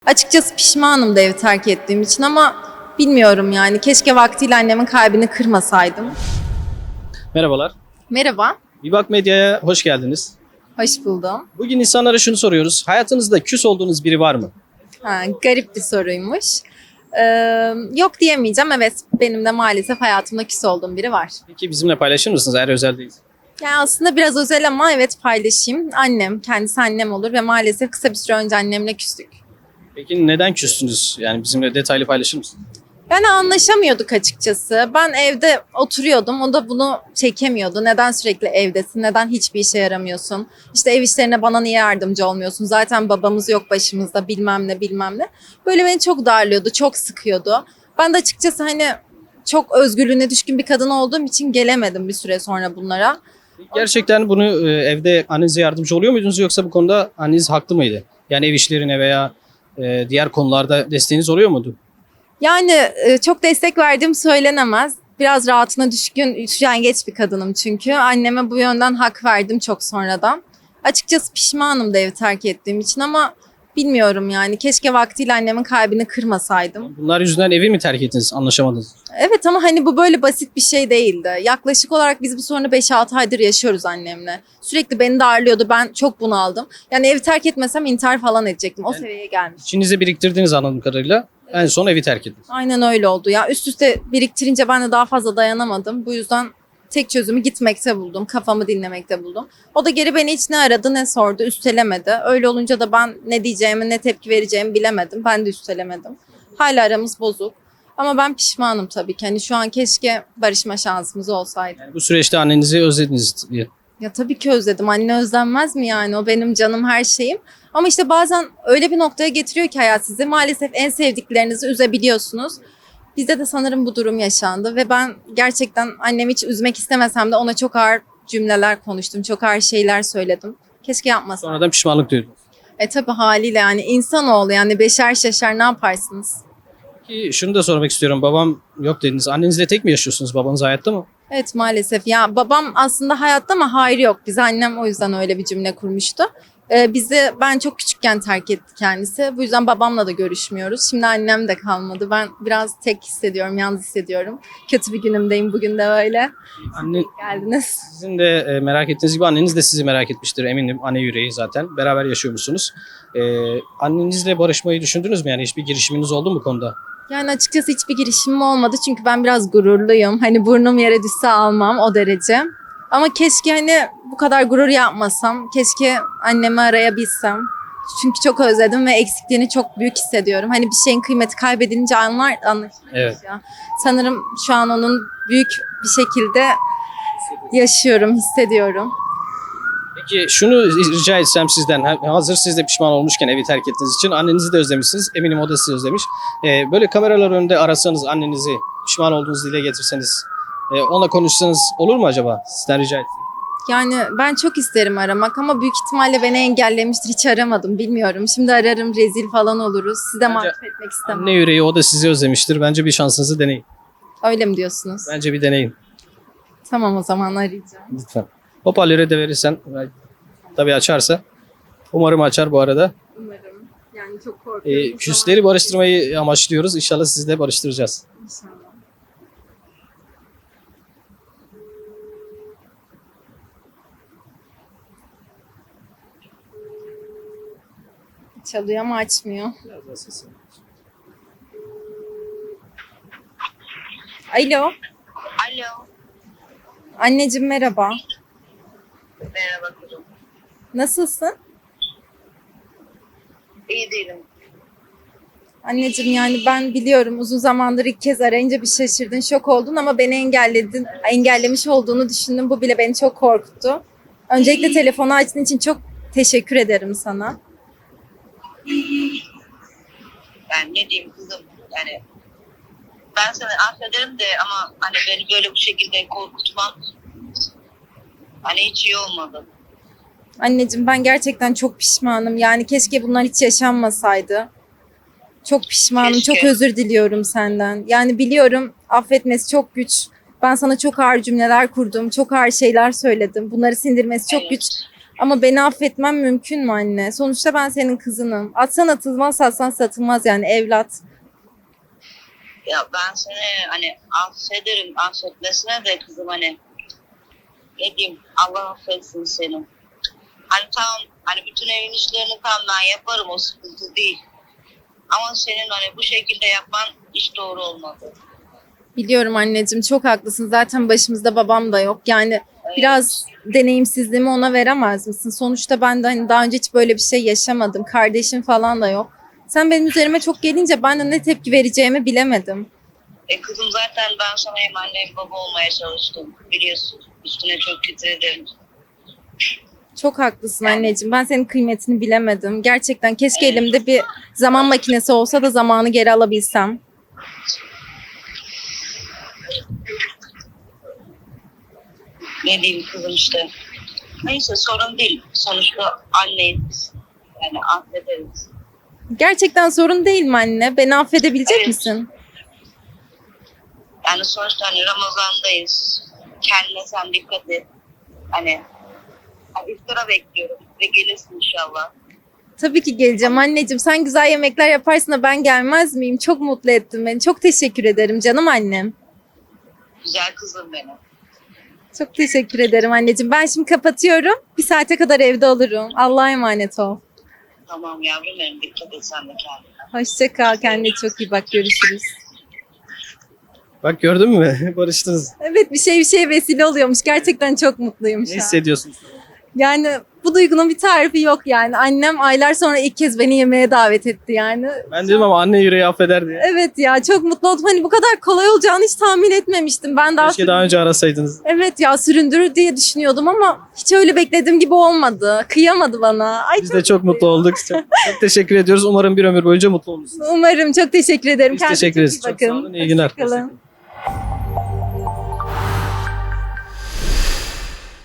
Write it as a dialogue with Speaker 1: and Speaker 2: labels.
Speaker 1: Açıkçası pişmanım da evi terk ettiğim için ama bilmiyorum yani. Keşke vaktiyle annemin kalbini kırmasaydım.
Speaker 2: Merhabalar.
Speaker 1: Merhaba,
Speaker 2: Bibak Medya'ya hoş geldiniz.
Speaker 1: hoş buldum.
Speaker 2: Bugün insanlara şunu soruyoruz. Hayatınızda küs olduğunuz biri var mı?
Speaker 1: Garip bir soruymuş. Ee, Yok diyemeyeceğim. Evet, benim de maalesef hayatımda küs olduğum biri var.
Speaker 2: Peki bizimle paylaşır mısınız eğer özel değil?
Speaker 1: Yani aslında biraz özel ama evet paylaşayım. Annem, kendisi annem olur ve maalesef kısa bir süre önce annemle küstük.
Speaker 2: Peki neden küstünüz? Yani bizimle detaylı paylaşır mısınız?
Speaker 1: Yani anlaşamıyorduk açıkçası. Ben evde oturuyordum. O da bunu çekemiyordu. Neden sürekli evdesin? Neden hiçbir işe yaramıyorsun? İşte ev işlerine bana niye yardımcı olmuyorsun? Zaten babamız yok başımızda bilmem ne bilmem ne. Böyle beni çok darlıyordu, çok sıkıyordu. Ben de açıkçası hani çok özgürlüğüne düşkün bir kadın olduğum için gelemedim bir süre sonra bunlara.
Speaker 2: Gerçekten bunu evde annenize yardımcı oluyor muydunuz yoksa bu konuda anneniz haklı mıydı? Yani ev işlerine veya diğer konularda desteğiniz oluyor muydu?
Speaker 1: Yani çok destek verdiğim söylenemez. Biraz rahatına düşkün, üşengeç bir kadınım çünkü. Anneme bu yönden hak verdim çok sonradan. Açıkçası pişmanım da evi terk ettiğim için ama bilmiyorum yani. Keşke vaktiyle annemin kalbini kırmasaydım.
Speaker 2: Bunlar yüzünden evi mi terk ettiniz, anlaşamadınız?
Speaker 1: Evet ama hani bu böyle basit bir şey değildi. Yaklaşık olarak biz bu sorunu 5-6 aydır yaşıyoruz annemle. Sürekli beni darlıyordu. Ben çok bunaldım. Yani evi terk etmesem intihar falan edecektim. O seviyeye gelmiş.
Speaker 2: İçinize biriktirdiğiniz anladığım kadarıyla en son evi terk ettiniz.
Speaker 1: Aynen öyle oldu ya. Üst üste biriktirince ben de daha fazla dayanamadım. Bu yüzden tek çözümü gitmekte buldum. Kafamı dinlemekte buldum. O da geri beni hiç ne aradı ne sordu. Üstelemedi. Öyle olunca da ben ne diyeceğimi ne tepki vereceğimi bilemedim. Ben de üstelemedim. Hala aramız bozuk. Ama ben pişmanım tabii ki. Hani şu an keşke barışma şansımız olsaydı.
Speaker 2: Yani bu süreçte annenizi özlediniz diye.
Speaker 1: Ya tabii ki özledim. Anne özlenmez mi yani? O benim canım her şeyim. Ama işte bazen öyle bir noktaya getiriyor ki hayat sizi. Maalesef en sevdiklerinizi üzebiliyorsunuz. Bizde de sanırım bu durum yaşandı ve ben gerçekten annemi hiç üzmek istemesem de ona çok ağır cümleler konuştum. Çok ağır şeyler söyledim. Keşke yapmasam.
Speaker 2: Sonradan pişmanlık duydunuz.
Speaker 1: Tabii haliyle yani insanoğlu yani beşer şaşar ne yaparsınız?
Speaker 2: Ki şunu da sormak istiyorum. Babam yok dediniz. Annenizle tek mi yaşıyorsunuz? Babanız hayatta mı?
Speaker 1: Evet maalesef ya babam aslında hayatta ama hayır yok. Bize annem o yüzden öyle bir cümle kurmuştu. Bizi ben çok küçükken terk etti kendisi. Bu yüzden babamla da görüşmüyoruz. Şimdi annem de kalmadı. Ben biraz tek hissediyorum, yalnız hissediyorum. Kötü bir günümdeyim bugün de öyle.
Speaker 2: Anne,
Speaker 1: Geldiniz.
Speaker 2: sizin de merak ettiğiniz gibi anneniz de sizi merak etmiştir eminim. Anne yüreği zaten. Beraber yaşıyormuşsunuz. Annenizle barışmayı düşündünüz mü? Yani hiçbir girişiminiz oldu mu bu konuda?
Speaker 1: Yani açıkçası hiçbir girişimim olmadı. Çünkü ben biraz gururluyum. Hani burnum yere düşse almam o derece. Ama keşke hani bu kadar gurur yapmasam. Keşke annemi arayabilsem. Çünkü çok özledim ve eksikliğini çok büyük hissediyorum. Hani bir şeyin kıymeti kaybedilince anlaşılıyor
Speaker 2: Evet.
Speaker 1: ya. Sanırım şu an onun büyük bir şekilde yaşıyorum, hissediyorum.
Speaker 2: Peki şunu rica etsem sizden. Hazır siz de pişman olmuşken evi terk ettiğiniz için annenizi de özlemişsiniz. Eminim o da sizi özlemiş. Böyle kameralar önünde arasanız annenizi pişman olduğunuzu dile getirseniz onunla konuşsanız olur mu acaba? Sizden rica etsem.
Speaker 1: Yani ben çok isterim aramak ama büyük ihtimalle beni engellemiştir. Hiç aramadım bilmiyorum. Şimdi ararım rezil falan oluruz. Size
Speaker 2: Bence
Speaker 1: mahcup etmek istemem.
Speaker 2: Anne yüreği o da sizi özlemiştir. Bence bir şansınızı deneyin.
Speaker 1: Öyle mi diyorsunuz?
Speaker 2: Bence bir deneyin.
Speaker 1: Tamam o zaman arayacağım.
Speaker 2: Lütfen. Hoparlöre de verirsen tabii açarsa. Umarım açar bu arada.
Speaker 1: Umarım. Yani çok korkuyorum.
Speaker 2: Küsleri barıştırmayı amaçlıyoruz. İnşallah sizi de barıştıracağız.
Speaker 1: İnşallah. Çalıyor ama açmıyor.
Speaker 2: Biraz daha sesi.
Speaker 1: Alo.
Speaker 3: Alo.
Speaker 1: Anneciğim merhaba.
Speaker 3: Merhaba kızım.
Speaker 1: Nasılsın?
Speaker 3: İyi değilim.
Speaker 1: Anneciğim yani ben biliyorum uzun zamandır ilk kez arayınca bir şaşırdın, şok oldun ama beni engellemiş olduğunu düşündüm. Bu bile beni çok korkuttu. Öncelikle telefonu açtığın için çok teşekkür ederim sana.
Speaker 3: Ben ne diyeyim kızım? Yani ben seni affederim de ama hani beni böyle bu şekilde korkutman hani hiç iyi olmadı.
Speaker 1: Anneciğim ben gerçekten çok pişmanım. Yani keşke bunlar hiç yaşanmasaydı. Çok pişmanım,
Speaker 3: Keşke.
Speaker 1: çok özür diliyorum senden. Yani biliyorum affetmesi çok güç. Ben sana çok ağır cümleler kurdum, çok ağır şeyler söyledim. Bunları sindirmesi çok
Speaker 3: Evet.
Speaker 1: güç. Ama beni affetmem mümkün mü anne? Sonuçta ben senin kızınım. Atsan atılmaz, satsan satılmaz yani evlat.
Speaker 3: Ya ben seni hani affederim, affetmesine de kızım hani ne diyeyim, Allah affetsin seni. Hani tamam, hani bütün evin işlerini tamam ben yaparım, o sıkıntı değil. Ama senin hani bu şekilde yapman hiç doğru olmadı.
Speaker 1: Biliyorum anneciğim, çok haklısın. Zaten başımızda babam da yok. Yani biraz deneyimsizliğimi ona veremez misin? Sonuçta ben de hani daha önce hiç böyle bir şey yaşamadım. Kardeşim falan da yok. Sen benim üzerime çok gelince ben de ne tepki vereceğimi bilemedim.
Speaker 3: Kızım zaten ben sana hem anne hem baba olmaya çalıştım, biliyorsun. Üstüne çok titredim.
Speaker 1: Çok haklısın anneciğim. Ben senin kıymetini bilemedim. Gerçekten keşke elimde bir zaman makinesi olsa da zamanı geri alabilsem.
Speaker 3: Ne diyeyim kızım işte. Neyse, sorun değil. Sonuçta anneyiz. Yani affederiz.
Speaker 1: Gerçekten sorun değil mi anne? Beni affedebilecek
Speaker 3: Evet.
Speaker 1: misin?
Speaker 3: Yani sonuçta hani Ramazan'dayız. Kendine sen dikkat et. Hani iftara bekliyorum ve gelirsin inşallah.
Speaker 1: Tabii ki geleceğim anneciğim. Sen güzel yemekler yaparsın da ben gelmez miyim? Çok mutlu ettin beni. Çok teşekkür ederim canım annem.
Speaker 3: Güzel kızım benim.
Speaker 1: Çok teşekkür ederim anneciğim. Ben şimdi kapatıyorum. Bir saate kadar evde olurum. Allah'a emanet ol.
Speaker 3: Tamam yavrum benim, dikkat et sen de kendine.
Speaker 1: Hoşça kal. Kendine çok iyi bak. Görüşürüz.
Speaker 2: Bak gördün mü? Barıştınız.
Speaker 1: Evet, bir şeye vesile oluyormuş. Gerçekten çok mutluyum
Speaker 2: Ne
Speaker 1: şu an.
Speaker 2: hissediyorsunuz?
Speaker 1: Yani bu duygunun bir tarifi yok yani. Annem aylar sonra ilk kez beni yemeğe davet etti yani.
Speaker 2: Ben dedim ama anne yüreği affeder diye.
Speaker 1: Evet ya, çok mutlu oldum. Hani bu kadar kolay olacağını hiç tahmin etmemiştim. Ben daha
Speaker 2: Keşke daha önce arasaydınız.
Speaker 1: Evet ya, süründürür diye düşünüyordum ama hiç öyle beklediğim gibi olmadı. Kıyamadı bana. Ay,
Speaker 2: Biz de çok mutlu olduk. Çok teşekkür ediyoruz. Umarım bir ömür boyunca mutlu olursunuz.
Speaker 1: Umarım, çok teşekkür ederim.
Speaker 2: Biz
Speaker 1: Kendinize
Speaker 2: teşekkür ederiz.
Speaker 1: çok iyi
Speaker 2: Çok sağ
Speaker 1: bakın.
Speaker 2: olun. İyi günler.
Speaker 1: Hoşça kalın.